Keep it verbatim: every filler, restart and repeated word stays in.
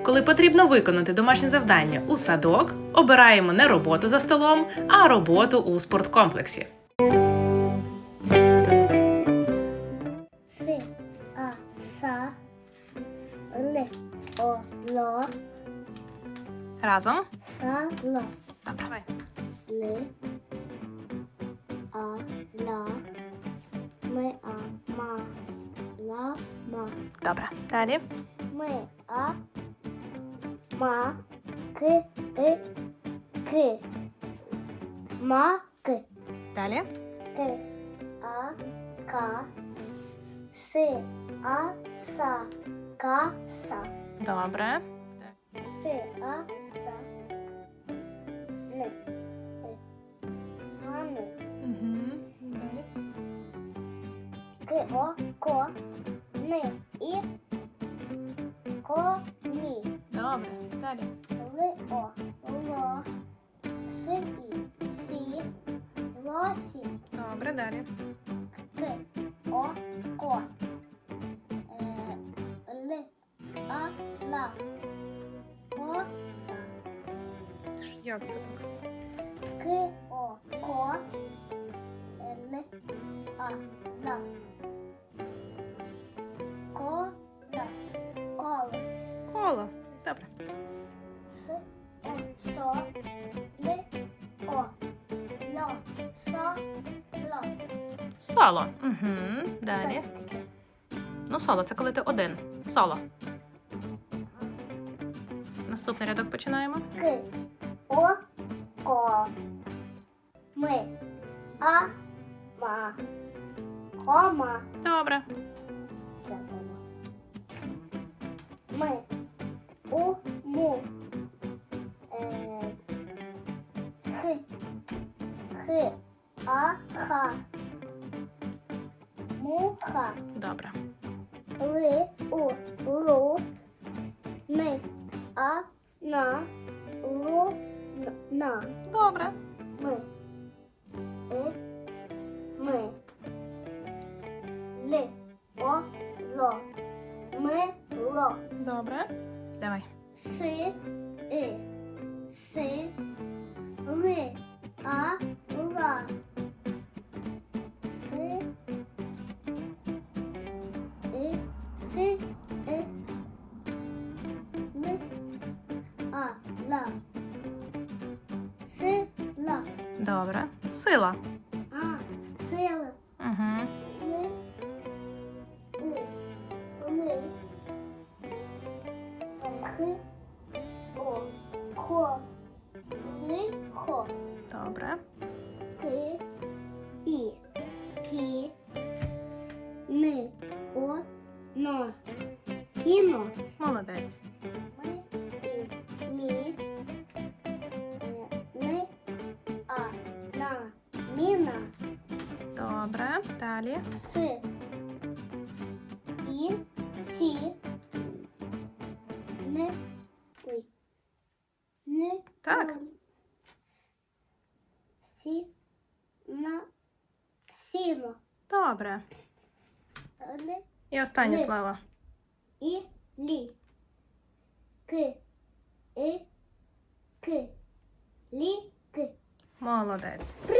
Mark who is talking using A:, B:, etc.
A: Коли потрібно виконати домашнє завдання у садок, обираємо не роботу за столом, а роботу у спорткомплексі.
B: С, а, са, л, о, ло,
A: Разом.
B: са, ло,
A: Добре.
B: л, а, ла, ми, а, ма, ла, ма,
A: Добре. Далі.
B: ми, а, ма, к, и, к, ма, к,
A: Далі.
B: к, а, ка, с, а, са, ка, са.
A: Добре.
B: С, а, са, не, е, сани,
A: Угу. Далі.
B: к, о, ко, ни, і, коні,
A: Добре. Далі.
B: ли, о, ло, си, і, сі, лосі,
A: Добре. Далі.
B: к, о, ко, е, ли, а, ла, коса.
A: Як це так?
B: К, о, ко, Л, а, ла, ко, да, коло,
A: Коло. Добре.
B: с, о, со, ли, о, ло, со, ло.
A: Соло. Угу. Далі.
B: Що це таке?
A: Ну, соло це коли ти один. Соло. Наступний рядок починаємо.
B: К, о, ко, ми, а, ма, кома.
A: Добре.
B: Це було. Ми, у, му, е, х, х, а, ха, муха,
A: Добре.
B: ли, у, лу, ми, а, на, лу, н- на,
A: Добре.
B: ми, и, ми, ли, о, ло, ми, ло.
A: Добре. Давай.
B: Си, и, си, ли, а, ла. Си, и, си, и, ли, а, ла. Си, ла.
A: Добре. Сила.
B: А, сила.
A: Угу.
B: Ли, и, ли. Х, о, ко, ли, хо.
A: Добре.
B: К, і, кі, ни, о, но. Кіно.
A: Молодець.
B: Ми, і, мі, е, ни, а, на, міна.
A: Добре. Далі.
B: С, і, сі, не, ой, не,
A: Так.
B: ой. Сі, на, сіно.
A: Добре.
B: Ли,
A: І останнє
B: Ли.
A: слово.
B: і, лі. К, і, к, лі, к.
A: Молодець.